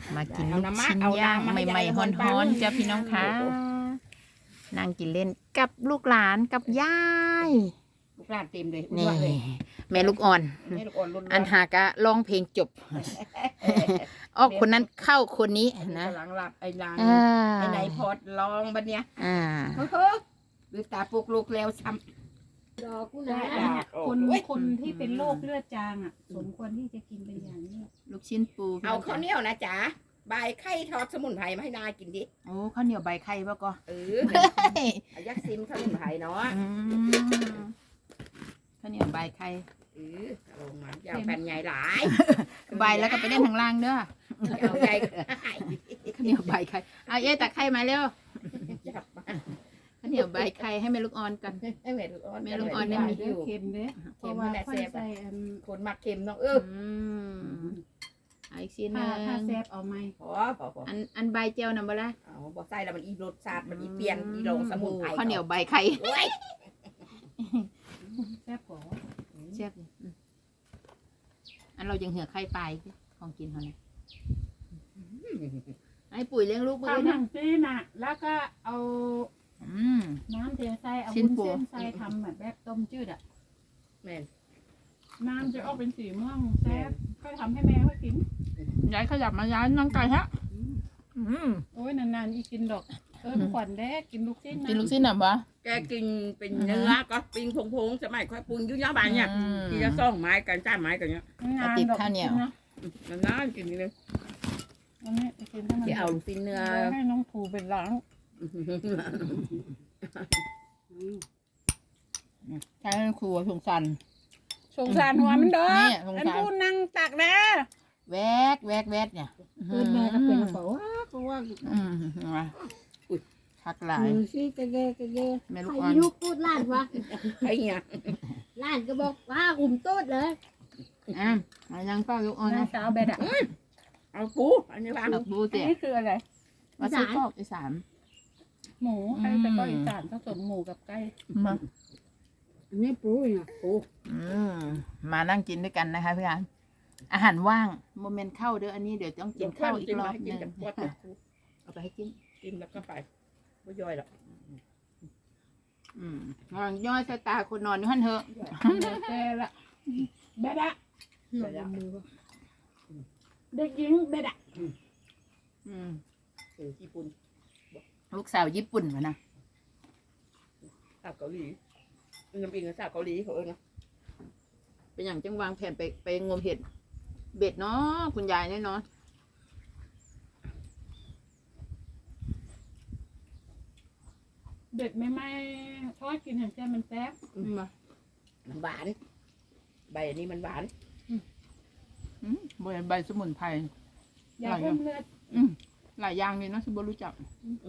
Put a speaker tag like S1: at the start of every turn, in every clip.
S1: มากินลูกชิ้นย่างใหม่ๆฮ้อนๆจ้ะพี่น้องคะนั่งกินเล่นกับลูกหลานกับยาย
S2: ลูกหลานเต็มเลย
S1: นี่แม่ลูกอ่อน
S2: แม่ลูกอ่อนรุ่น
S1: อันหากะร้องเพลงจบออกคนนั้นเข้าคนนี้นะ
S2: หลังหลับไอ้หลัง
S1: อ่า
S2: ไอ้ไหนพอดลองบัดเนี้ย
S1: อ่า
S2: เฮ้อหรือตาปลุกลูกแล้วซ้ำ
S3: ดอกกุห
S2: ได้
S3: ลาบ
S2: อ่ะ
S4: คนที่เป็นโรคเลือดจางอ่ะสมควรที่จะกินเป็นอย่างนี้
S1: ลูกชิ้นปู
S2: เอาข้าวเหนียวนะจ๊ะใบไข่ทอดสมุนไพรมาให้นากินดิ
S1: โอ้ข้าวเหนียวใบไข่ป่ะก็
S2: เอายักษ์ซิมข้าวสมุนไพรเนาะ
S1: อืมข้าวเหนียวใบไข่
S2: ลงมาอย่าแผ่นใหญ่หลาย
S1: ใบแล้วก็ไปเล่นทางล่างเด้อ
S2: เอาใหญ่
S1: ข้าวเหนียวใบไข่เอาเอ๊ะตักไข่มาเร็ว
S2: จับมา
S1: ข้าวเหนียวใบไข่ให้แม่ลูกอ่อนกัน
S2: ให้แม่ลูกอ่อน
S1: แม่ลูกอ่อนได้มี
S4: เค็มเด้เพ
S2: เค็
S4: ราะ
S2: ม
S4: ว่า
S2: แม่
S4: ค่อ
S2: แซ่
S4: ย
S2: บ
S4: ใส่อัน
S2: คนมักเค็มเนาะ
S1: เอาอีกชิ้นหนึ
S4: ถ้าง แซ่บเอาไหม
S2: พอ
S1: อันใบเจียวน่ะบ่ล่ะ
S2: เอาบอกใส่แล้วมันอีรสชาติมันอีเปลี่ยนอีลงสมุนไพร
S1: ข้าวเหนียวใบไข่
S2: โอ้ย
S4: แซ่บกว่า
S1: แซ่บอยู่อันเรายังเหือไข่ปลายของกินเขาเนี่ยไอ้ปุ๋ยเลี้ยงลูกไป
S4: เอา
S1: ด้วย
S4: หนั
S1: นะ
S4: งซีน่ะ แล้วก็เอา
S1: อืม
S4: น้ำเทใส่เอา
S1: ชิ้น
S4: วุ้น
S1: ปู
S4: เส้นใส่ทำแบบต้มจืดอ่ะ
S2: แม่น
S4: น้ำจะออกเป็นสีม่วงแซ่บก็ทำให้แม่เขากิน
S1: ย้ายขยับมาย้ายนั่งไก่ฮะอืม
S4: โอ้ยนานๆอีกินดอกขวัญแด้กินลูกชิ้นนะ
S1: กินลูกชิ้นหน่ะปะ
S2: แกกินเป็นเนื้อก็ปิ้งพงๆสมัยค่อยปรุงยุ่งยากบานเนี่ยที่จะซ่องไม้กันจ้าไม้กันเนี่ย
S4: งานดอกกินนะ
S2: นานๆกินเลย
S4: อันนี้กินให้มัน
S2: ที่เอาซีนเนื้อ
S4: ให้น้องผูเป็นล้าง
S1: ใช่ครัวสงสัน
S4: สงสารหัวมันเด้อ
S1: นี่สงสาร
S4: อันพูดนั่งตักแด้
S1: แวกแวกแวกเนี่ย
S3: เกิดมาก็เป็นเขาว่าก็ว่า
S1: อืมมาคักหลาย
S3: มือซี่กระเดกระเด
S1: แม่ลูก
S3: ใคร
S1: อ่อน
S3: ลูกพูดล้านวะ
S2: ไอ้เนี่ย
S3: ล้านก็บอกว่าอุ่มโต๊ดเลย
S1: อ่ะมายังเป้าลูกอ่อน
S4: น้า
S1: นะ
S4: สาวเบดอ่ะ
S2: เอาปูอันนี้วาง
S1: เอาบู
S4: อัน
S1: เตี๋ย
S4: นี้คืออะไร
S1: มาซื้อคอกอีสาน
S4: หมูไก่แต่ก็อีสานผสมหมูกับไก่
S1: มา
S3: อันนี้ปูเนี่ยปู
S1: มานั่งกินด้วยกันนะคะพี่อันอาหารว่างโมเมนต์เข้าเด้ออันนี้เดี๋ยวต้องกินข้าวอีกรอบหนึงเอาไปให้กิน
S2: กินแล้วก็ไปไม่ย่อยหรอก
S1: ย่อยสายตาคนนอนอยู่หั่นเถอะ
S4: แก่ละเบดอะ
S3: หน่อยมือ
S4: เด็กหญิงเบดอะ
S2: ญี่ปุ่น
S1: ลูกสาวญี่ปุ่นวะนะ
S2: สาวเกาหลีน้ำอิงกับสาวเกาหลีเขาเออนะ
S1: เป็นอย่างจังวางแผนไปงมเห็ดเบ็ดเนาะคุณยายเนี่ยเนาะ
S4: เด็กไม่ทอดกินเห็นใจมันแซ่บ
S2: มันหวานใบอันนี้มันหวาน
S1: ใบสมุนไพร
S4: อยากเพิ่มเลือด
S1: หลายอย่างเลยเนาะฉันบ่รู้จัก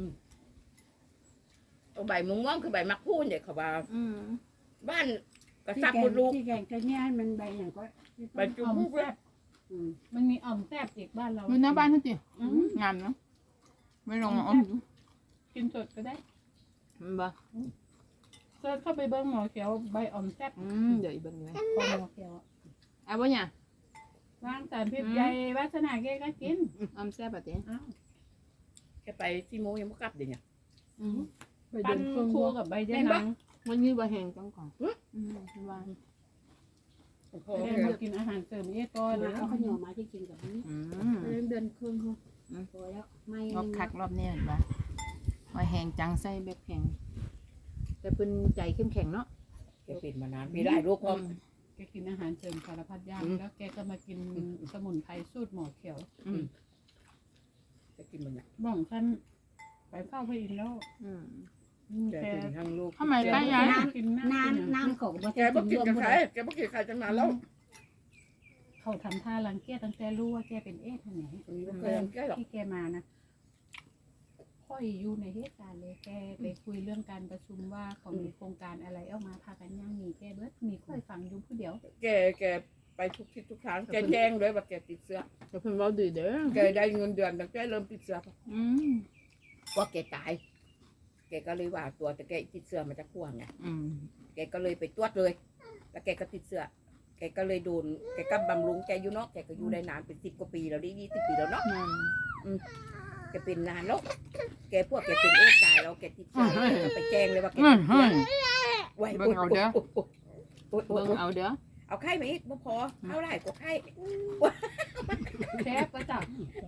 S2: เอาใบม่วงคือใบมักพูนเด็กเขาว่า
S1: อืม
S2: บ้านกระ
S3: ที่
S2: ซับ
S3: แก
S2: ม
S3: ง
S2: ดลูก
S3: ที่แกงจะเนี่ยมันใบอย่างก็
S2: ใบจุ๊
S4: อ่อม
S2: บเล
S4: แซ่
S2: ย
S4: บมันมีอ่อมแซ่บอีกบ้านเรา
S1: ดูหน้าบ้านเขาสิ
S4: อืม
S1: งามเนาะไม่ลงมาอ้อมดู
S4: กินสดก็ได้
S1: มันบ่
S4: เสิร์ชเข้าไปเบิ้งหมอเขียวใบอ่อมแซ่บ
S1: เดี๋ยวอีกเบิ่งเลย
S4: พอหมอเขียวอะ
S1: เอาบ่เนี่ย
S4: วางสารพิษใหญ่วาสนาแกก็กิน
S1: ออมแซ่บอ่ะเต้
S4: อ้าว
S2: แค่ไปที่โมยังไม่กลับเดี๋ยวเนี่ย
S3: ไป
S4: ปั้
S3: เดิ
S4: น
S3: นเครื่อง
S4: คู่
S3: วัว
S4: กับใบยะ
S2: แม่นปะ
S4: นาง
S1: วันนี้บ่แห้งจังก่อนวาง
S2: โอ้โห
S4: แกมากินอาหารเสริมเอตอน
S3: มา
S4: นะ
S3: เอาข้าวเหนียวมาที่กินกับนี้เดินเครื่องเขาพอแล้วไม่
S1: รอบคักรอบนี้เห็นปะว่าแห้งจังไส้แบบแข็งแต่เพิ่นใจเข้มแข็งเนาะ
S2: แกปิดมานานมีได้ลูกพร้อม
S4: แกกินอาหารเสริมสารพัดอย่างแล้วแกก็มากินสมุนไพรสูตรหมอเขียว
S2: จะกินมันเนี่ย
S4: บ้องท่านไปเฝ้าพระอินทร์แล้ว
S2: แก
S4: แก
S2: กินทั้งลูก
S1: ทำไมป้ายาย
S4: กิน
S3: น้ำน้ำของมา
S2: แกบ่กินกับใครแกบ่กินใครตั้งนานแล้ว
S4: เขาทำท่ารังเกียจตั้งแต่รู้ว่าแกเป็นเอสท่านไหน
S2: ไม่เคยทำแกหรอก
S4: ที่แกมานะค่อยอยู่ในเหตุการณ์เลยแกไปคุยเรื่องการประชุมว่าเขามีโครงการอะไรออกมาพากันย่างมีแกเบิดมีค่อยฟังอยู่ผู้เดียว
S2: แกไปทุกทิศทุกทางแกแจ้งเลยว่าแกติดเชื้อ
S1: แต่เพิ่นเว้าดีเด้อ
S2: แกได้เงินเดือนตั้งแต่เริ่มติดเชื้อ ว่าแกตาย แกก็เลยว่าตัวแต่แกติดเชื้อมาจากพวกไงแกก็เลยไปตรวจเลย แล้วแกก็ติดเชื้อแกก็เลยโดนแกก็บำรุงแกอยู่เนาะแกก็อยู่ได้นานเป็น10 กว่าปีแล้วนี่20 ปีแล้วเนาะแกเป็นนานแล้วแกพวกแกเป็นเอตายแล้วแกติดเชื้อไปแจ้งเลยว่าแก
S1: เฮ้
S2: ติ
S1: ย
S2: ดเชื้
S1: เฮ้
S2: อย ไว้
S1: เบิ่งเอาเด้อ
S2: โอ๊ย
S1: เบิ่งเอาเด้อ
S2: เอาไข้มาอีกบ่พอเอาได้กว่าไข้
S4: แซ่บประจับ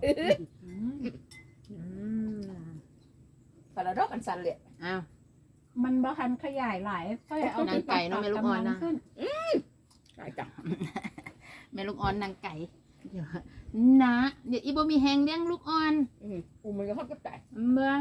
S2: พาราดอกกันสันเลย
S1: อ้าว
S4: มันบ่ทันขยายหลายก็เลยเอา
S1: นางไก่เนอะไม่ลูกอ่อนนะ
S4: ขึ้น
S2: ได้จัง
S1: แม่ลูกอ่อนนางไก่เดี๋ยวนะเดี๋ยวอีบ่มีแฮงเลี้ยงลูกอ่อน
S2: อูมันก็ฮอดกับแต่
S1: เมื่อ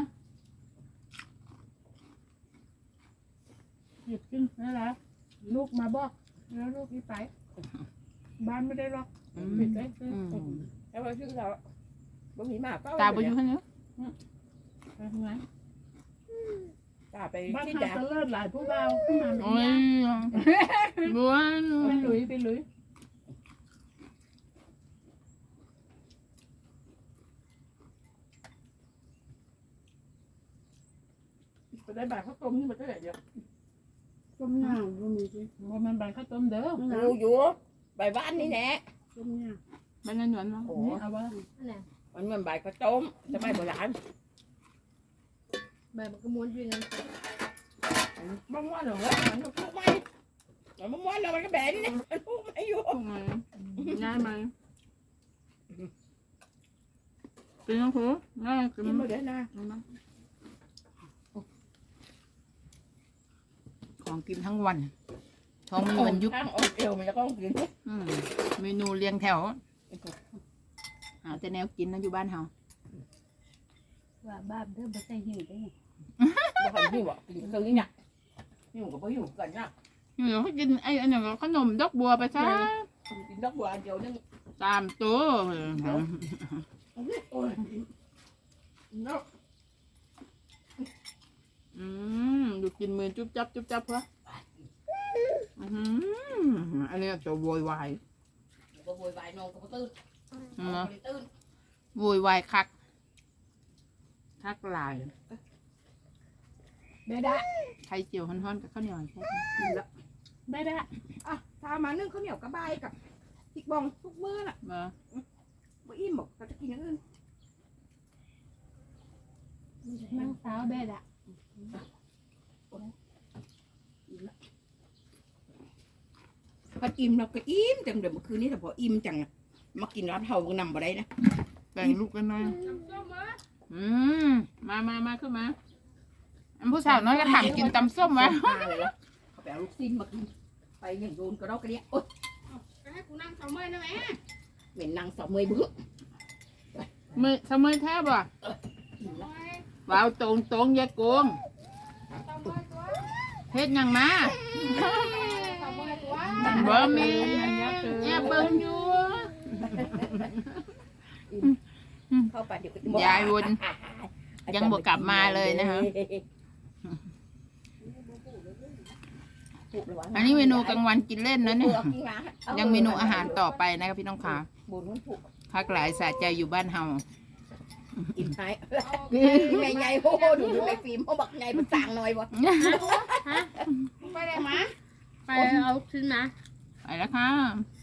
S4: หยิบขึ้นนั่นแหละลูกมาบอกแล้วลูกนี่ไป บ้านไม่ได้ล็อกปิดไว้ซื้อ
S2: แล้วพอชื่อเราบ่มีมาเป้า
S1: ตาบ่อยู่หั่นเนาะ
S4: ไปทำไม
S2: ตาไป
S4: บ้าน
S2: ที่
S4: ทาง
S2: ดา
S4: ตะเลิศหลายผู้เบาขึ้นมา
S1: โอ้ยบ้วน
S4: ไปลุยไปลุยไปได้แบบข้าวต้มนี่มันก็ได้เดียว
S3: ต้มยำก็มีสิ
S4: ว่ามันใบข้าวต้มเด้อ
S2: อยู่อยู่ใบบ้านนี่แหละ
S3: ต้มย
S1: มันนั่นหยวนเนาะ
S2: โอ้
S4: นี่เอาว่า
S3: ำอะไร
S2: มันเหมือนใบข้าวต้มสมัยโบราณ
S3: แบบมันก็ม้วนอยู่งั้น
S2: บ้านว่าเหรอวะมันพูดไม่มันว่าเรามันก็แบนนี่นะมันพูดไม่อยู่
S1: ตรงไหนง่ายไหมเป็นยังคือง่ายกิน
S2: กินมาเดี๋ยวนะ
S1: ของกินทั้งวันท้องมีวันยุบ
S2: ข้างออกเอวมันจะต้องกิน
S1: เมนูเรียงแถวหาแต่แนวกินนะอยู่บ้านเฮา
S4: ว่าบ้าเด้อบ่ใส่หิวได้
S2: บ่หันหิวอ่ะกินเครื่องนี้เนี่ยหิวกับบ่หิวกันนะ
S1: อยู่เขากินไอ้อันนั้นก็ขนมดอกบัวไปซะ
S2: กินดอกบัวเดียวนึง
S1: 3 ตัว
S2: โอ้ยเนาะ
S1: ดูกินมือจุ๊บจับจุ๊บจับเพื่ออันนี้จะโวยวาย
S2: บ่โวยวายนอนก็บ่ตื่นบ่ได้ตื่น
S1: โวยวายคักหลาย
S2: ได้ได้
S1: ไข่เจียวฮ้อนๆกับข้าวเหนียวใช่ไหม
S4: ได้ได้
S2: อ่ะถ้ามานึ่งข้าวเหนียวกับใบกับพริกบองทุกมื้อน่ะ
S1: มา
S2: บ่อิ่มหรอกก็จะกินอย่างอื่น
S4: นั่งสาวได้ละ
S2: พออิ่มเราก็อิ่มจังเดี๋ยวเมื่อคืนนี้แต่พออิ่มจังมากินร้านเฮาก็นำบ่ได้นะ
S1: แบ่งลูกกันหน่อยมาขึ้นมาอันผู้สาวน้อยก็ถามกินตำส้มวะ
S2: เขาไปเอาลูกชิ้นมากินไปอย่างโดนกระดอกกระเดียโอ๊ย
S3: ให้กูนั่งเสาเมยนะแม่
S2: เหม็นนางสาวเมยเบื้อ
S1: มือสมัยแทบอ่ะว้าวตรงยายโกง
S3: เสาเมยตัว
S1: เฮ็ดหยังมา
S3: เสาเมยตัว
S1: บ่มีแอบเบิ่งอยู่
S2: เข้าไปเดี๋ยวก็
S1: ยายวนยังบ่กลับมาเลยนะคะอันนี้เมนูกลางวันกินเล่นนะเนี่ยยังเมนูอาหารต่อไปนะครับพี่น้องขา
S2: บุญมันผูก
S1: พักหลายสะใจอยู่บ้านเฮา
S2: กินให้แม่ใหญ่โหดูแม่ฟิล์มเขาบอกใหญ่มันต่างหน่อยวะ
S3: ไปได้มาไปเอาขึ้นมา
S1: ไปแล้วค่ะ